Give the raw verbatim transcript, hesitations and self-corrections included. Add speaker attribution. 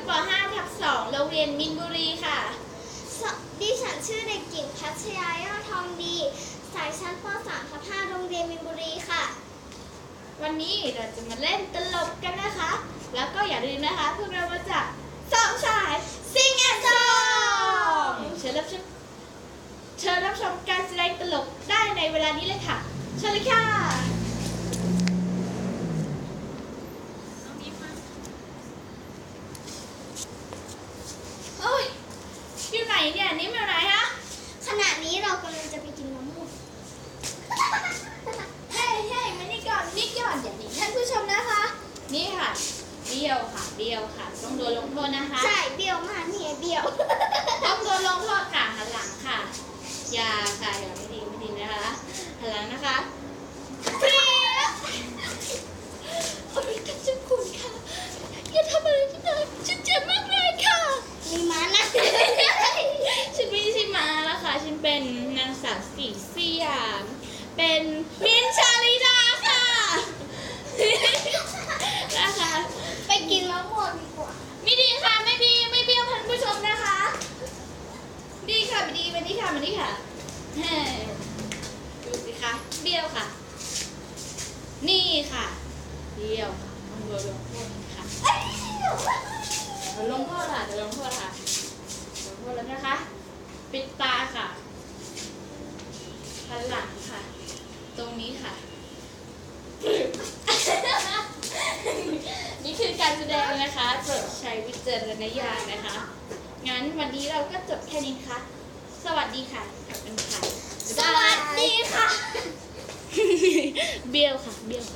Speaker 1: ป ห้า ทับ สอง โรงเรียนมินบุรีค่ะ
Speaker 2: ดิฉันชื่อเด็กหญิงพัชยายอดทองดีสายชั้นป สาม ทับ ห้า โรงเรียนมินบุรีค่ะ
Speaker 1: วันนี้เราจะมาเล่นตลกกันนะคะ แล้วก็อย่าลืมนะคะพวกเรามาจากสองชายซิงแอนด์ซองเชิญรับชมเชิญรับชมการแสดงตลกได้ในเวลานี้เลยค่ะเชิญเลยค่ะโอ้ยอยู่ไหนเนี่ยนิ่มอยู่ไหนฮะ
Speaker 2: ขณะนี้เรากำลังจะไปกินมะม่วง
Speaker 1: เฮ้ยเฮ้ยมานี่ก่อนนี่ก่อนอย่าหนีท่านผู้ชมนะคะนี่ค่ะเบี้ยวค่ะเบี้ยวค่ะต้องโดนลงโทษนะคะ
Speaker 2: ใช่เบี้ยวมากเนี่ยเบี้ยว
Speaker 1: ต้องโดนลงโทษค่ะหันหลังค่ะอย่าค่ะอย่าไม่ดีไม่ดีนะคะหันหลังนะคะเปรี้ยวโอ้ยท่านเจ้าคุณค่ะอย่าทำอะไรที่ไหนฉันเจ็บมากเลยค่ะ
Speaker 2: มีม้านะ
Speaker 1: ฉันไม่ใช่ม้าแล้วค่ะฉันเป็นนางสาวสีสยามเป็นมินท์ชาลิดาค่ะนะคะ
Speaker 2: ไปกินมะม่วงดีกว่า
Speaker 1: ไม่ดีค่ะไม่ดีไม่เบี้ยวท่านผู้ชมนะคะดีค่ะไม่ดีไม่ดีค่ะไม่ดีค่ะดูสิคะเบี้ยวค่ะนี่ค่ะเบี้ยวค่ะต้องโดนลงโทษค่ะเดี๋ยวลงโทษค่ะเดี๋ยวลงโทษค่ะลงโทษแล้วนะคะปิดตาค่ะหันหลังค่ะตรงนี้ค่ะนี่คือการแสดงนะคะโปรดใช้วิจารณญาณนะคะงั้นวันนี้เราก็จบแค่นี้ค่ะสวัสดีค่ะขอบคุณค่ะ
Speaker 2: สวัสดีค่ะ
Speaker 1: เบี้ยวค่ะเบี้ยว